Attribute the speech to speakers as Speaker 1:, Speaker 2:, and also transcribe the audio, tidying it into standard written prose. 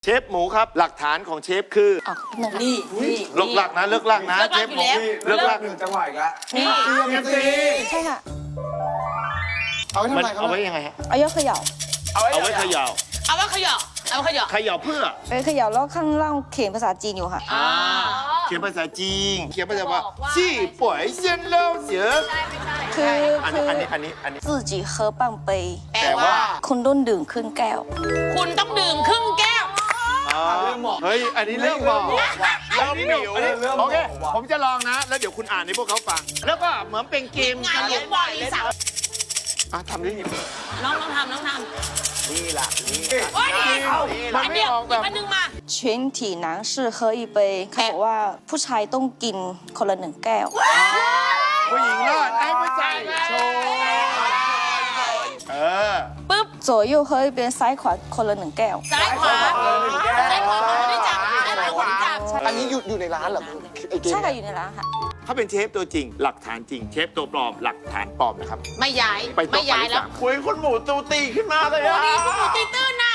Speaker 1: เชฟหมูครับหลักฐานของเชฟคือ
Speaker 2: นี่
Speaker 1: เลิกลักนะเลิกลักนะเชฟหมูเลิกลัก
Speaker 3: หนึ่งจังหวะอีกแล้ว
Speaker 2: นี่
Speaker 4: ใช่ค่ะ
Speaker 3: เอาไว้ทำ
Speaker 1: มัน
Speaker 3: ไมครับ
Speaker 1: เอาไว้ยังไงฮะ
Speaker 4: เอายกเขย่า
Speaker 1: เอาไว้เขย่า
Speaker 2: เอาว่าขยอเอาขยอ
Speaker 1: เขย่าเพื่อ
Speaker 4: ไปเขย่าแล้วข้างล่างเขียนภาษาจีนอยู่ค่ะ
Speaker 1: เขียนภาษาจีนเขียนภาษาว่าจี้ป่วยเซียนเล่าเสือ
Speaker 4: คือ
Speaker 1: อันนี้
Speaker 4: 自己喝半杯
Speaker 2: แปลว่า
Speaker 4: คุณต้องดื่มครึ่งแก้ว
Speaker 2: คุณต้องดื่มครึ่งแก้ว
Speaker 1: เฮ้ยอันนี้เรื่องบอกเริ่มหิวโอเคผมจะลองนะ แล้วเดี๋ยวคุณอ่านให้พวกเขาฟัง แล้วก็เหมือนเป็นเกม
Speaker 2: งานเลี้ยงบอลอีสาว
Speaker 1: ทำได้ยัง
Speaker 2: น้องทำ
Speaker 1: นี่ล่ะนี่
Speaker 2: โอ้ย
Speaker 1: มัน
Speaker 2: อัน
Speaker 1: ไม่
Speaker 2: เดียว
Speaker 1: ออกแบ
Speaker 2: อี
Speaker 1: บ
Speaker 2: กอันหนึงมา
Speaker 4: 全体男士喝一杯เขาบอกว่าผู้ชายต้องกินคนละ1 แก้ว
Speaker 1: ผู้หญิงรอดไอ้ผู้ชายโชว์
Speaker 2: ปึ๊บ
Speaker 4: 左右喝一杯ซ้ายขวาคนละ1 แก้ว
Speaker 2: ซ้ายขวาซ้ายขวาคนที่จับซ้ายขวาคนที่จับ
Speaker 3: อันนี้อยู่ในร้านเหรอไอเกม
Speaker 4: ใช่ค่ะอยู่ในร้านค่ะ
Speaker 1: เขาเป็นเชฟตัวจริง หลักฐานจริง เชฟตัวปลอมหลักฐานปลอมนะครับ
Speaker 2: ไม่ย้าย
Speaker 1: ไปโต๊ะ
Speaker 2: ไม่ย้ายแล้ว
Speaker 1: คุยคุณหมูตูตีขึ้นมาเลย
Speaker 2: โอ้
Speaker 1: อะ
Speaker 2: ดีคุณหมูตีตื้นนะ